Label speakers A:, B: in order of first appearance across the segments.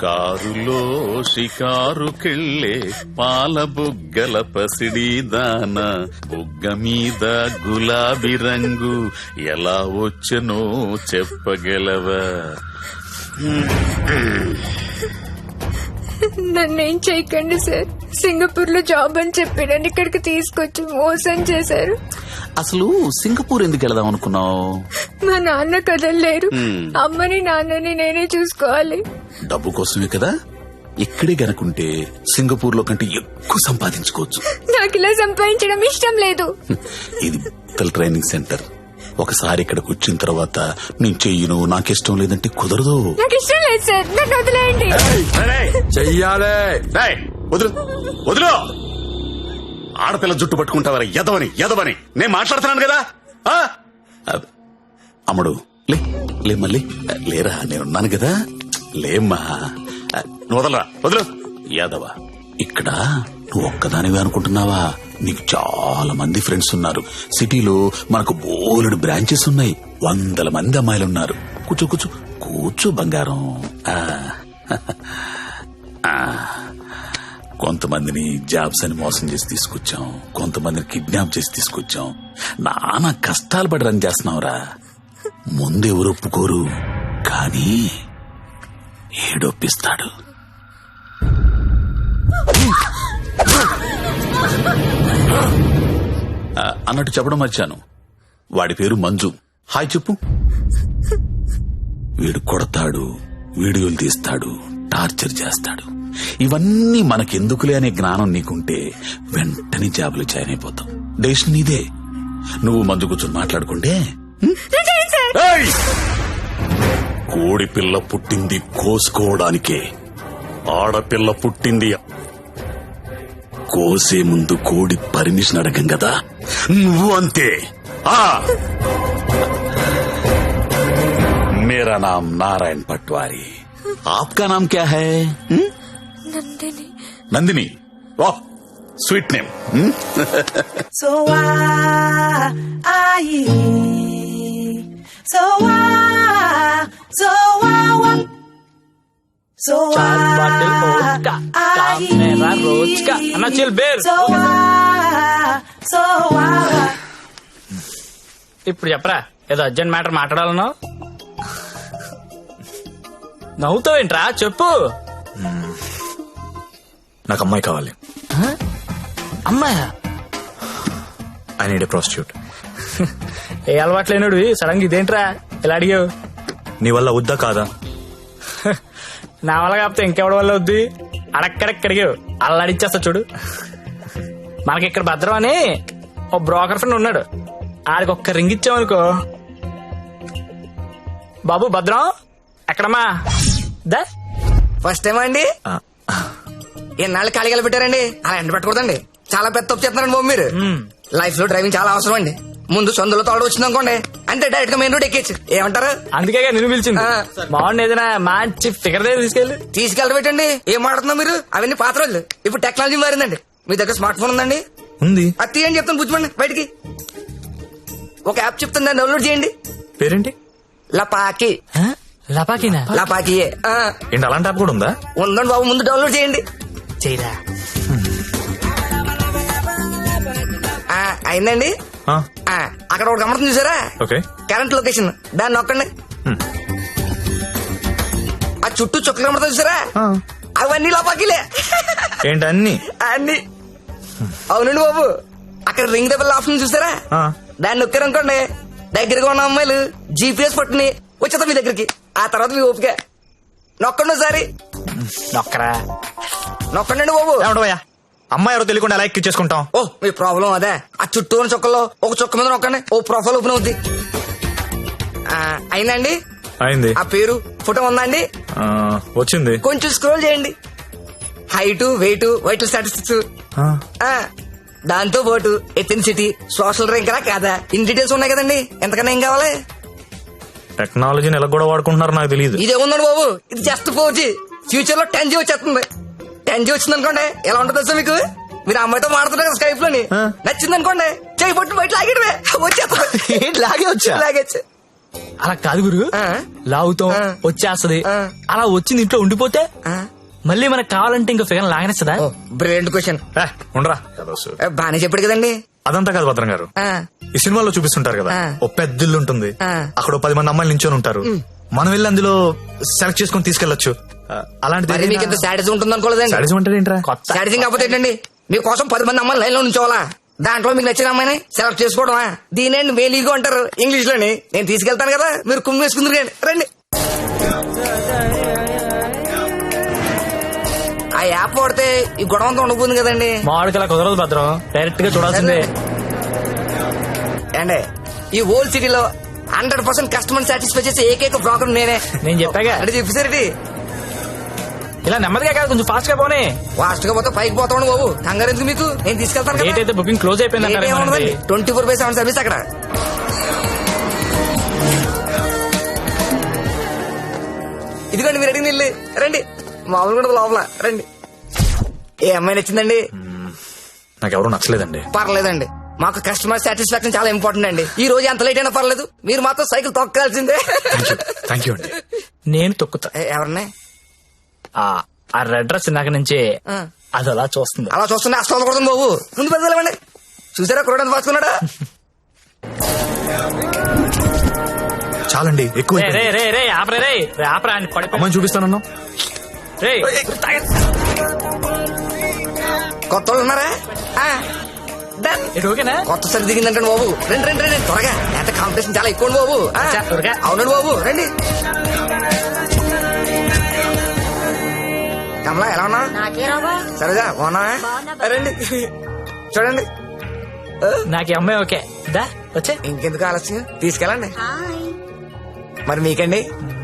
A: కారులో షికారుకెళ్ళే పాల బుగ్గల పసిడి దాన బుగ్గ మీద గులాబీ రంగు ఎలా వచ్చనో చెప్పగలవా?
B: నన్నేం చేయకండి సార్. సింగపూర్ లో జాబ్ అని చెప్పి నన్ను ఇక్కడికి తీసుకొచ్చి మోసం చేశారు.
A: అసలు సింగపూర్ ఎందుకు వెళదాం అనుకున్నావు?
B: మా నాన్న కదలలేరు. అమ్మని నాన్నని నేనే చూసుకోవాలి.
A: డబ్బు కోసమే కదా. ఇక్కడే గనుకుంటే సింగపూర్ లో కంటే ఎక్కువ సంపాదించుకోవచ్చు.
B: నాకు ఇలా సంపాదించడం ఇష్టం లేదు.
A: ఇది ట్రైనింగ్ సెంటర్. ఒకసారి ఇక్కడికి వచ్చిన తర్వాత నేను చెయ్యను, నాకిష్టం లేదంటే కుదరదు.
B: నాకు ఇష్టం లేదు సార్, నన్ను వదిలేయండి.
C: చెయ్యాలే.
A: వదులు వదులు. ఆడపిల్ల జుట్టు పట్టుకుంటావరా? ఎదవని నేను మాట్లాడుతున్నాను కదా. అమ్ముడు లే మళ్ళీ లేరా, నేనున్నాను కదా. లేమ్మా, వదలరా, వదులు. యాదవ, ఇక్కడ నువ్వు ఒక్కదానివే అనుకుంటున్నావా? నీకు చాలా మంది ఫ్రెండ్స్ ఉన్నారు. సిటీలో మనకు బోలెడు బ్రాంచెస్ ఉన్నాయి. 100 మంది అమ్మాయిలున్నారు. కూర్చో కూర్చో కూర్చో బంగారం. కొంతమందిని జాబ్స్ అని మోసం చేసి తీసుకొచ్చాం, కొంతమందిని కిడ్నాప్ చేసి తీసుకొచ్చాం. నానా కష్టాలు పడి రన్ చేస్తున్నావురా. ముందు ఎవరు ఒప్పుకోరు, కానీ ఏడొప్పిస్తాడు. అన్నట్టు చెప్పడం మర్చాను, వాడి పేరు మంజు. హాయ్ చెప్పు. వీడు కొడతాడు, వీడియోలు తీస్తాడు, టార్చర్ చేస్తాడు. ఇవన్నీ మనకెందుకులే అనే జ్ఞానం నీకుంటే వెంటనే జాబులు జాయిన్ అయిపోతాం. డెసిషన్ నీదే. నువ్వు మంజు కూర్చొని మాట్లాడుకుంటే. కోడి పిల్ల పుట్టింది కోసుకోవడానికే, ఆడపిల్ల పుట్టింది కోసే ముందు కోడి పర్మిషన్ అడగం కదా. నువ్వు అంతే. मेरा नाम नारायण पटवारी, आपका नाम क्या है?
B: నందిని.
A: नंदिनी, वाह स्वीट नेम.
D: So
E: ఇప్పుడు చెప్పరా, ఏదో అర్జెంట్ మ్యాటర్ మాట్లాడాలను. నవ్వుతావేంట్రా, చెప్పు.
C: నాకు అమ్మాయి కావాలి.
E: అమ్మాయా?
C: I need a prostitute.
E: ఏ అలవాట్లేనుడు సడన్ గా ఇదేంట్రా ఇలా అడిగావు?
C: నీ వల్ల వద్దా కాదా?
E: నా వల్ల కాకపోతే ఇంకెవడి వల్ల వద్దు. అడక్కడక్కడిగావు, అల్లాడిచ్చేస్తా చూడు. మనకి ఇక్కడ భద్రం అని ఓ బ్రోకర్ ఫ్రెండ్ ఉన్నాడు. ఆడికి ఒక్క రింగ్ ఇచ్చామనుకో. బాబు భద్రం ఎక్కడమ్మా? దా
F: ఫస్ట్ టైం అండి. ఎన్నాళ్ళు ఖాళీగా పెట్టారండి, అలా ఎండ పెట్టకూడదండి. చాలా పెద్ద తప్పు చేస్తున్నారండి బాబు మీరు. లైఫ్ లో డ్రైవింగ్ చాలా అవసరం అండి. ముందు సొందులో తోడు వచ్చింది అనుకోండి, అంటే డైరెక్ట్ గా మెయిన్ రోడ్ ఎక్కేచ్చు. ఏమంటారు?
E: అందుకే నిన్ను పిలిచింది. బాగుంది, ఏదైనా మంచి ఫిగర్ దగ్గర
F: తీసుకెళ్ళబెట్టండి. ఏం మాట్లాడుతున్నా మీరు? అవన్నీ పాత రోజులు. ఇప్పుడు టెక్నాలజీ మారిందండి. మీ దగ్గర స్మార్ట్ ఫోన్ ఉందండి?
C: ఉంది.
F: అది తీయండి, చెప్తాను బుజ్జిమండి బయటికి. ఒక యాప్ చెప్తాను, దాన్ని డౌన్లోడ్ చేయండి.
C: పేరేంటి?
F: లపాకి.
E: లపాకినా?
F: లపాకియే.
C: ఏంటి అలాంటి యాప్ కూడా ఉందా?
F: ఉందండి బాబు, ముందు డౌన్లోడ్ చేయండి.
E: చేయరా.
F: అయిందండి. అక్కడ ఒకటి గమనం చూసారా?
C: ఓకే.
F: కరెంట్ లొకేషన్, దాన్ని నొక్కండి. ఆ చుట్టూ చుక్కలు కనబడతా చూసారా? అవన్నీ లోపాకిలే.
C: ఏంటి అన్ని?
F: అన్ని. అవునండి బాబు, అక్కడ రింగ్ దెబ్బల ఆప్షన్ చూసారా? దాన్ని నొక్కారనుకోండి, దగ్గరగా ఉన్న అమ్మాయిలు జీపీఎస్ పట్టుని వచ్చేద్దాం మీ దగ్గరికి. ఆ తర్వాత మీ ఓపిక. నొక్కండి ఒకసారి.
E: నొక్కరా.
F: నొక్కండి బాబు.
C: అమ్మాయి ఎవరో తెలియకుండా ఎలా ఎక్కించేసుకుంటాం?
F: ఓ మీ ప్రాబ్లం అదే. ఆ చుట్టూ ఉన్న చుక్కల్లో ఒక చుక్క మీద నొక్కండి, ఓ ప్రొఫైల్ ఓపెన్ అవుద్ది. అయిందండి?
C: అయింది.
F: ఆ పేరు ఫోటో ఉందా అండి?
C: వచ్చింది.
F: కొంచెం స్క్రోల్ చేయండి. హైట్, వెయిట్, వైటల్ స్టాటిస్టిక్స్, దాంతో పాటు ఎథెన్సిటీ, సోషల్ ర్యాంక్ కాదా, ఇన్ డీటెయిల్స్ ఉన్నాయి కదండి. ఎంతకన్నా ఏం కావాలి?
C: టెక్నాలజీని ఎలా కూడా వాడుకుంటున్నారో నాకు తెలియదు.
F: ఇదే ఉందండి బాబు, ఇది జస్ట్ 4G. ఫ్యూచర్ లో 10G వచ్చేస్తుంది. 10G వచ్చింది అనుకోండి, ఎలా ఉంటుంది సార్ మీకు? మీరు అమ్మాయితో మాడుతున్నారు స్కైప్ లోని, నచ్చింది అనుకోండి, చేయి పట్టు బయట లాగేయడమే, వచ్చేస్తుంది.
C: లాగే వచ్చా?
F: లాగేచ్చు.
E: అలా కాదు గురు,
F: ఆ.
E: లాగుతాం
F: ఆ.
E: వచ్చేస్తది,
F: ఆ.
E: అలా వచ్చింది ఇంట్లో ఉండిపోతే
F: ఆ.
E: మళ్ళీ మనకు కావాలంటే ఇంకో ఫిగర్ లాగనేస్తుందా?
F: Oh brilliant question.
C: ఉండరా
F: బానే చెప్పాడు కదండి.
C: అదంతా కాదు భద్రం గారు,
F: ఆ,
C: ఈ సినిమాలో చూపిస్తుంటారు కదా,
F: ఆ.
C: ఓ పెద్ద ఇల్లు ఉంటుంది,
F: ఆ.
C: అక్కడ ఓ 10 మంది అమ్మాయిలు నించొని ఉంటారు, మనం వెళ్ళి అందులో సెలెక్ట్ చేసుకుని తీసుకెళ్లొచ్చు.
F: మరి మీకు ఇంత శాడిజం ఉంటుంది అనుకోలేదండి.
C: సాడిజం అంటే ఏంట్రా?
E: కొత్త
F: శాడిజం కాకపోతే ఏంటండి, మీకోసం 10 మంది అమ్మాయిలు లైన్ లో ఉంచోవాలా, దాంట్లో మీకు నచ్చిన అమ్మాయిని సెలెక్ట్ చేసుకోవడమా? దీనేండి మేలీగో అంటారు ఇంగ్లీష్ లోని. నేను తీసుకెళ్తాను కదా, మీరు కుమ్మి వేసుకుందరు కానీ రండి. ఆ యాప్ వాడితే ఈ గొడవ అంతా ఉండబోతుంది కదండి.
E: మామిడికి అలా కుదరదు భద్రం, డైరెక్ట్ గా చూడాల్సిందే.
F: అండి ఈ ఓల్డ్ సిటీలో 100% కస్టమర్ సాటిస్ఫై చేసే ఏకైక బ్రోకర్ నేనే.
E: నేను చెప్పాగా,
F: అంటే చెప్పేసరికి
E: ఇలా నెమ్మదిగా కాదు, కొంచెం ఫాస్ట్ గా పోనీ.
F: ఫాస్ట్ గా పోతే పైకి పోతాను బాబు, కంగారు ఎందుకు మీకు, నేను తీసుకెళ్తాను
E: డేట్ అయితే బుకింగ్ క్లోజ్ అయిపోయింది అంటారు.
F: 24/7 సర్వీస్ అక్కడ. ఇదిగోండి మీరు అడిగిన ఇల్లు, రండి. మామూలు కూడా లోపల రండి. ఏ అమ్మాయి నచ్చిందండి?
C: నాకెవరూ నచ్చలేదండి.
F: పర్లేదండి, మాకు కస్టమర్ సాటిస్ఫాక్షన్ చాలా ఇంపార్టెంట్ అండి. ఈ రోజు ఎంత లేట్ అయినా పర్లేదు, మీరు మాత్రం సైకిల్ తొక్కాల్సిందే.
C: థ్యాంక్ యూ అండి.
E: నేను తొక్కుతా.
F: ఎవరిని?
E: ఆ రెడ్ డ్రెస్ ఇందాక నుంచి
F: ఆ.
E: అది అలా చూస్తుంది.
F: అలా చూస్తున్నా అస్తం కొడుతుంది బాబు, ముందు పెద్దలేమండి. చూసారా కురడానికి పాసుకున్నాడా?
C: చాలండి, ఎక్కువ
E: రే రే రే రే ఆపరే రే రే ఆపరా అని పడిపో.
C: అమ్మాయిని చూపిస్తానన్నా.
E: రే
F: కొత్త వాళ్ళు ఉన్నారా? ఆ, done.
E: ఇది ఓకేనా?
F: కొత్త సరి దిగిందంటే బాబు, రండి రండి రండి త్వరగా, ఎంత కాంపిటీషన్ చాలా ఎక్కువ బాబు. ఆ,
E: అచ్చా, త్వరగా.
F: అవునండి బాబు, రండి. కమలా ఎలా ఉన్నా? సరేగా బాగున్నా? రండి చూడండి.
E: నాకు ఈ అమ్మాయి ఓకే, దా వచ్చే.
F: ఇంకెందుకు ఆలస్యం, తీసుకెళ్ళండి. మరి మీకండి?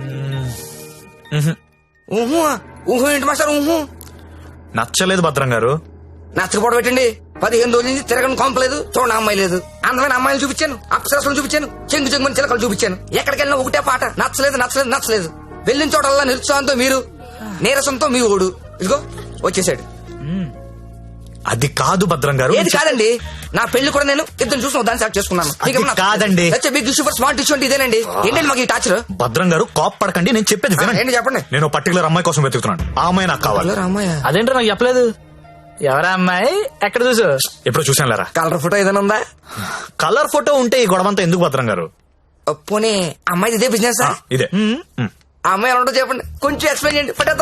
F: ఊహు ఊహు ఏంటి మాస్టర్? ఊహు
C: నచ్చలేదు భద్రం గారు.
F: నచ్చకపోవడం పెట్టండి. 15 రోజుల నుంచి తిరగని కొంపలేదు, చూడండి అమ్మాయి లేదు. అందమైన అమ్మాయిలు చూపించాను, అప్సరసలు చూపించాను, చెంగు చెంగుని చిలకలు చూపించాను. ఎక్కడికి వెళ్ళినా ఒకటే పాట, నచ్చలేదు నచ్చలేదు నచ్చలేదు. వెళ్ళిన చోటల్లా నిరుత్సాహంతో మీరు, నీరసంతో మీ ఓడు. ఇదిగో వచ్చేసాడు.
C: అది కాదు భద్రం గారు.
F: ఏది కాదండి, నా పెళ్లి కూడా నేను ఇద్దరు చూసిన దాన్ని సెలెక్ట్ చేసుకున్నాను.
C: అది కాదండి.
F: Big issue for smart issue అంటే ఇదేనండి. ఏంటండి మాకు ఈ టాచర్?
C: భద్రం గారు కాప్ పడకండి, నేను చెప్పేది వినండి.
F: ఏంటి చెప్పండి.
C: నేను పర్టికులర్ అమ్మాయి కోసం వెతుకుతున్నాను, ఆ అమ్మాయి నాకు కావాలి.
F: అమ్మాయి
E: అదేంటో నాకు చెప్పలేదు. ఎవరా అమ్మాయి, ఎక్కడ చూసు?
C: ఎప్పుడు చూసాను లేరా.
F: కలర్ ఫోటో ఏదైనా ఉందా?
C: కలర్ ఫోటో ఉంటే ఈ గొడవంతా ఎందుకు భద్రం గారు?
F: పోనీ అమ్మాయి ఇదే బిజినెస్?
C: ఇదే.
F: ఆ అమ్మాయి ఎలా ఉంటుందో చెప్పండి, కొంచెం ఎక్స్ప్లెయిన్ చేయండి ఫోటోతో.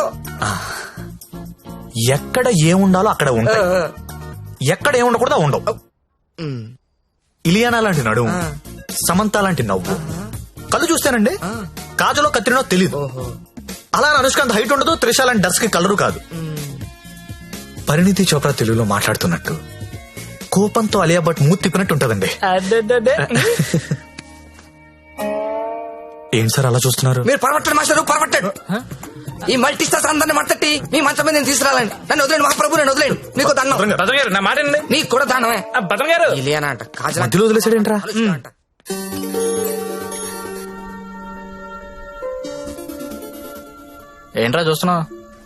C: ఎక్కడ ఏముండాలో అక్కడ ఉంటాయి, ఎక్కడ ఏముండకూడదు ఉండవు. ఇలియానా లాంటి నడుము, సమంత లాంటి నవ్వు, కళ్ళు చూస్తానండి కాజలో కత్తిరినో తెలీదు. అలా అనుష్కాంత్ హైట్ ఉండదు, త్రిష లాంటి డర్స్ కి కలరు కాదు. పరిణితి చోప్రా తెలుగులో మాట్లాడుతున్నట్టు, కోపంతో అలియా భట్ మూతి తిప్పినట్టు ఉంటదండి. ఏం సార్ అలా చూస్తున్నారు?
F: మీరు పరమట్టండి మాస్టర్, పరమట్టండి. ఈ మల్టీ స్టార్స్ అందరిని మట్టట్టి మీ మంచం మీద నేను తీసుకురాలండి. నన్ను వదిలేండి మహాప్రభు, నన్ను వదిలేండి. మీకు దండం.
E: భద్రం గారు నా మాట వినండి.
F: నీకు కూడా దానమే.
E: భద్రం గారు
F: ఇలియానా అంట, కాజల్
C: మధ్యలో వదిలేసాడేంట్రా?
F: అంట.
E: ఏంట్రా చూస్తున్నావు?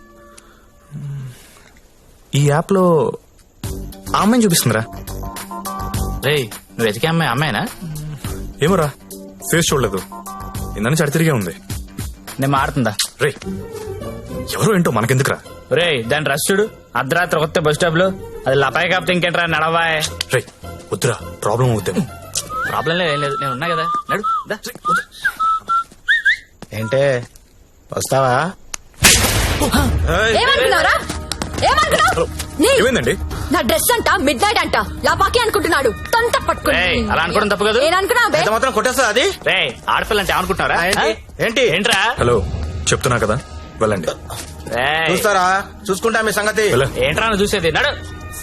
C: ఈ యాప్ లో ఆ అమ్మాయిని చూపిస్తుందిరా.
E: రే నువ్వు వెతికే అమ్మాయి అమ్మాయినా?
C: ఏమోరా, ఫేస్ చూడలేదు, ఇందని చడి తిరిగే ఉంది.
E: నేను మాడుతుందా?
C: రే ఎవరు ఏంటో మనకెందుకురా.
E: రే దాని రష్ చూడు, అర్ధరాత్రి కొత్త బస్ స్టాప్ లో. అది లపాయి కాపుతే ఇంకేంట్రా నడవాయ్.
C: రే వద్దురా, ప్రాబ్లం అవుతాము.
E: ప్రాబ్లం లేదు, ఏం లేదు, నేను ఉన్నా కదా, నడు దా.
G: ఏంటే వస్తావా?
B: ఏమనుకున్నారా? ఏమనుకున్నావు? నీ
C: ఏమైందండి?
B: నా డ్రెస్ అంట మిడ్ నైట్ అంట లపాకి అనుకుంటున్నాడు, తొంత పట్టుకుని.
E: రేయ్, అలా అనుకోవడం తప్పు కదా.
B: ఏమనుకున్నావు బే?
G: ఎంత మాత్రం కొట్టేస్తా అది?
E: రే ఆడపిల్ల అంటే ఏమనుకుంటున్నారా?
G: ఏంటి?
E: ఏంట్రా?
C: హలో చెప్తున్నా కదా, వెళ్ళండి.
E: రేయ్,
G: చూస్తారా? చూసుకుంటా మీ సంగతి.
E: ఏంట్రా నువ్వు చూసేది? నడు.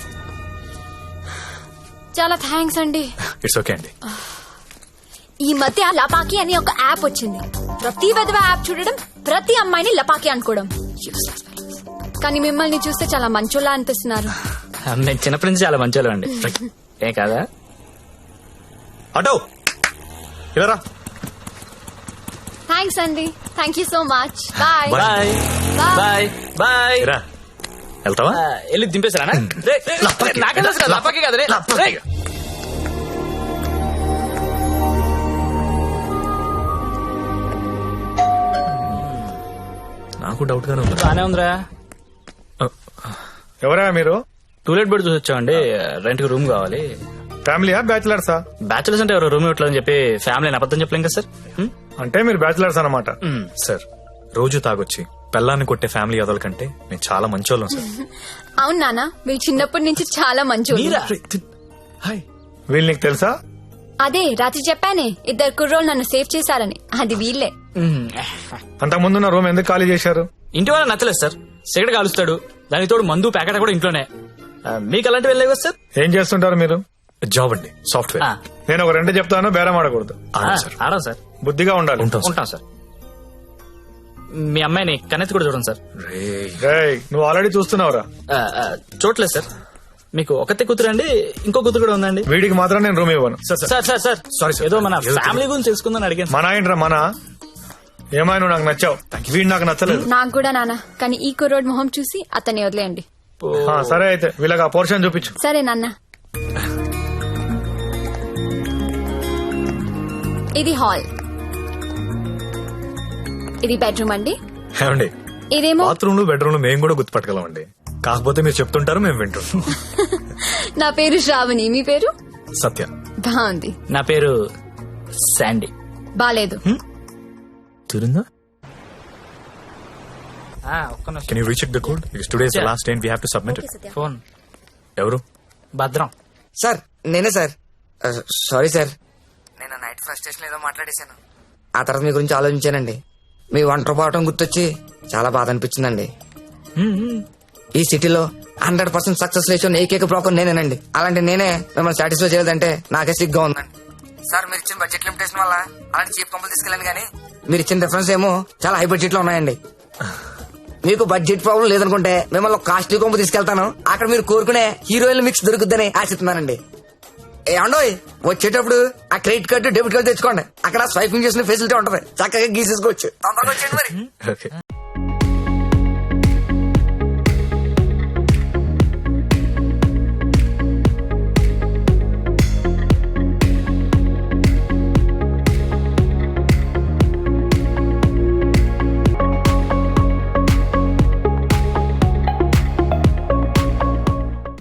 B: చాలా థ్యాంక్స్ అండి.
C: ఇట్స్ ఓకే అండి.
B: ఈ మధ్య లపాకి అని ఒక యాప్ వచ్చింది. ప్రతి విధవ యాప్ చూడడం, ప్రతి అమ్మాయిని లపాకి అనుకోవడం. Useless fellows. కానీ మిమ్మల్ని చూస్తే చాలా మంచోళ్ళ అనిపిస్తున్నారు.
E: నేను చిన్నప్పటి నుంచి చాలా మంచి అండి. ఏ కాదా?
C: అటో ఇలా
B: థ్యాంక్స్ అండి, thank you so much. Bye
E: bye bye bye.
C: రా. వెళ్తావా?
E: వెళ్ళి దింపేసారా? నాకే తెలుసు కదా, లపాకి కదా. రే
C: నాకు డౌట్ గానే ఉంది.
E: బానే ఉందిరా.
H: ఎవరా మీరు?
E: టూలెట్ బెడ్ చూసి వచ్చామండి. రెంట్ కి రూమ్ కావాలి.
H: ఫ్యామిలీయా బ్యాచిలర్సా?
E: బ్యాచులర్స్ అంటే ఎవరు రూమ్ ఇవ్వట్లేదని చెప్పి ఫ్యామిలీ అబద్ధం చెప్పలేం కదా సార్.
H: అంటే మీరు బ్యాచిలర్స్ అన్నమాట.
C: సార్ రోజు తాగొచ్చి పెళ్ళాన్ని కొట్టే ఫ్యామిలీ అదల కంటే నేను చాలా మంచోళ్ళం సార్.
B: అవును నాన్న, మీరు చిన్నప్పటి నుంచి చాలా మంచి
E: మీరా?
C: హాయ్.
H: వీళ్ళు నీకు తెలుసా?
B: అదే రాత్రి చెప్పానే, 2 కుర్రోళ్ళు నన్ను సేవ్ చేశారని. అది వీళ్ళే.
H: అంతకు ముందున్న రూమ్ ఎందుకు ఖాళీ చేశారు?
E: ఇంటి వాళ్ళ నచ్చలేదు సార్. సిగరెట్ కాలుస్తాడు, దానికి తోడు మందు ప్యాకెట్ కూడా ఇంట్లోనే. మీకు అలాంటివి వెళ్ళలేవు కదా సార్.
H: ఏం చేస్తుంటారు మీరు?
C: జాబ్ అండి, సాఫ్ట్వేర్.
H: నేను ఒక 2 చెప్తాను, బేరం ఆడకూడదు.
E: ఆడం సార్.
H: బుద్ధిగా ఉండాలి.
E: ఉంటాం సార్. మీ అమ్మాయిని కన్నెత్తి కూడా చూడండి సార్.
H: రేయ్, నువ్వు ఆల్రెడీ చూస్తున్నావురా.
E: చూడలేదు సార్. మీకు ఒకతే కూతురు అండి, ఇంకో కూతురు కూడా ఉందండి.
H: వీడికి మాత్రం నేను రూమ్ ఇవ్వను.
E: Sir
C: Sorry, sir.
E: ఏదో మన
C: ఏదో
E: ఫ్యామిలీ గురించి తెలుసుకుందని అడిగాను.
H: మన ఏంట్రా మన? ఏమైనా నువ్వు నాకు నచ్చావు, వీడు నాకు నచ్చలేదు.
B: నాకు కూడా నాన్న, కానీ ఈ కుర్రోడ్ మొహం చూసి అతన్ని వదిలేయండి.
H: సరే అయితే వీళ్ళకి ఆ పోర్షన్ చూపించు.
B: సరే నాన్న. ఇది హాల్, ఇది బెడ్రూమ్ అండి.
C: ఏమండి,
B: ఇదేమో
C: బాత్రూమ్ లో బెడ్రూమ్ లో మేము కూడా గుర్తుపట్టగలం అండి. కాకపోతే మీరు చెప్తుంటారు, మేము వింటుంటాం.
B: నా పేరు శ్రావణి, మీ పేరు?
C: సత్య.
B: బాగుంది.
E: నా పేరు శాండీ.
B: బాలేదు.
C: తిరుందా?
E: ఒక్క నిమిషం.
C: Can you recheck the code? Today's the last day we have to submit it.
E: Phone.
C: ఎవరు?
E: భద్రం.
F: సార్ నేనే సార్. సారీ సార్, నేను నైట్ ఫ్రస్ట్రేషన్ ఏదో మాట్లాడేశాను. ఆ తర్వాత మీ గురించి ఆలోచించానండి. మీ ఒంటరి పోవటం గుర్తొచ్చి చాలా బాధ అనిపించిందండి. ఈ సిటీలో 100% సక్సెస్ రేషియో ఏకైక బ్రోకర్ నేనేనండి. అలాంటి నేనే మిమ్మల్ని సాటిస్ఫై చేయలేదంటే నాకే సిగ్గా ఉందండి. సార్ మీరు ఇచ్చిన బడ్జెట్ లిమిటేషన్ వల్ల అలాంటి చీప్ కంపెనీ తీసుకెళ్ళాను, కానీ మీరు ఇచ్చిన రిఫరెన్స్ ఏమో చాలా హై బడ్జెట్ లో ఉన్నాయండి. మీకు బడ్జెట్ ప్రాబ్లం లేదనుకుంటే మిమ్మల్ని కాస్ట్లీ కొంపు తీసుకెళ్తాను. అక్కడ మీరు కోరుకునే హీరోయిన్ మిక్స్ దొరుకుద్దని ఆశిస్తున్నానండి. ఏమండోయ్, వచ్చేటప్పుడు ఆ క్రెడిట్ కార్డు డెబిట్ కార్డు తెచ్చుకోండి. అక్కడ స్వైపింగ్ చేసిన ఫెసిలిటీ ఉంటది, చక్కగా గీసేసుకోవచ్చు. తొందరగా వచ్చేయండి మరి.
C: ఓకే.